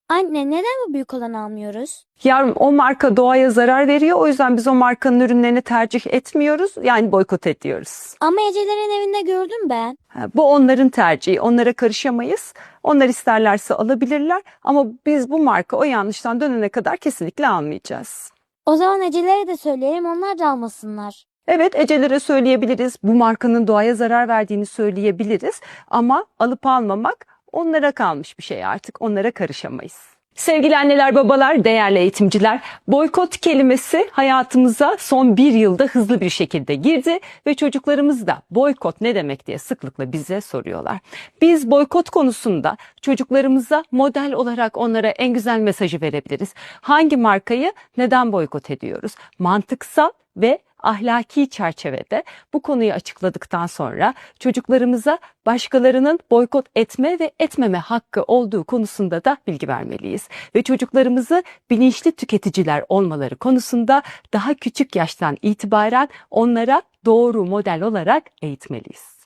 Anne, neden bu büyük olanı almıyoruz? Yavrum o marka doğaya zarar veriyor. O yüzden biz o markanın ürünlerini tercih etmiyoruz. Yani boykot ediyoruz. Ama Ecelerin evinde gördüm ben. Bu onların tercihi. Onlara karışamayız. Onlar isterlerse alabilirler. Ama biz bu marka o yanlıştan dönene kadar kesinlikle almayacağız. O zaman Ecelere de söyleyelim, onlar da almasınlar. Evet, Ecelere söyleyebiliriz. Bu markanın doğaya zarar verdiğini söyleyebiliriz. Ama alıp almamak onlara kalmış bir şey artık. Onlara karışamayız. Sevgili anneler, babalar, değerli eğitimciler, boykot kelimesi hayatımıza son bir yılda hızlı bir şekilde girdi ve çocuklarımız da boykot ne demek diye sıklıkla bize soruyorlar. Biz boykot konusunda çocuklarımıza model olarak onlara en güzel mesajı verebiliriz. Hangi markayı neden boykot ediyoruz? Mantıksal ve ahlaki çerçevede bu konuyu açıkladıktan sonra çocuklarımıza başkalarının boykot etme ve etmeme hakkı olduğu konusunda da bilgi vermeliyiz. Ve çocuklarımızı bilinçli tüketiciler olmaları konusunda daha küçük yaştan itibaren onlara doğru model olarak eğitmeliyiz.